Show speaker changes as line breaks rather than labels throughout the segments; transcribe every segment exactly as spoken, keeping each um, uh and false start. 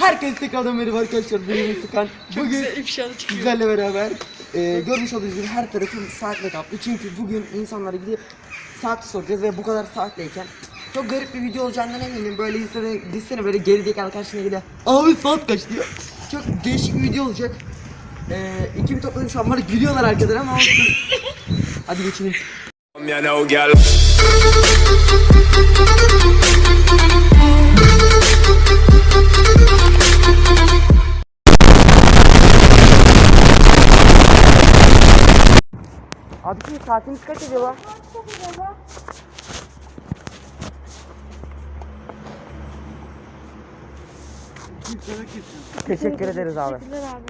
Herkese tekrardan merhaba arkadaşlar. Benim Sıkan. Bugün sizlerle beraber e, görmüş olduğunuz gibi her tarafım saatle kaplı. Çünkü bugün insanlara gidip saat soracağız ve bu kadar saatleyken çok garip bir video olacağından eminim. Böyle insana dizsene böyle gerizekalı karşına gidiyor. Abi saat kaç diyor. Çok değişik bir video olacak. E, iki bir topladım şu an bana gülüyorlar arkadan ama olsun. Hadi geçelim. Abi şimdi saatimiz kaç acaba? Teşekkür ederiz abi.
Teşekkürler abi.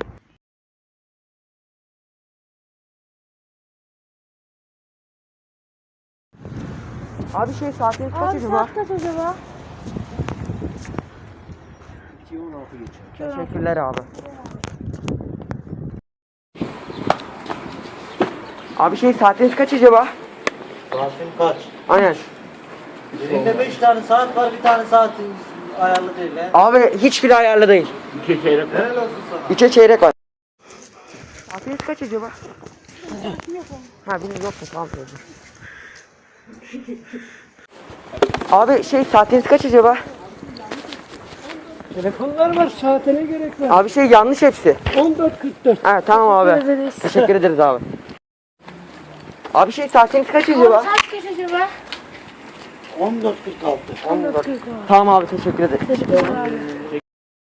Abi şey saatimiz kaç
Abi
acaba?
saat kaç acaba?
Teşekkürler abi. Abi şey saatiniz kaç acaba?
Saatin kaç?
Aynen.
Elinde beş tane saat var, bir tane saatin ayarlı değil he.
Abi hiçbiri ayarlı değil.
İki çeyrek. Helal olsun sana.
İçe çeyrek var. Saatiniz kaç acaba? Ha benim yok mu? Tamam. Abi şey saatiniz kaç acaba?
Telefonlar var, saate ne gerek var?
Abi şey yanlış hepsi.
on dört kırk dört.
Ha tamam abi.
Teşekkür ederiz.
Teşekkür ederiz abi. Abi şey saatiniz kaç
Abi
acaba?
saat kaç acaba?
on dört kırk altı.
on dört. Tamam abi teşekkür ederiz.
Teşekkürler abi.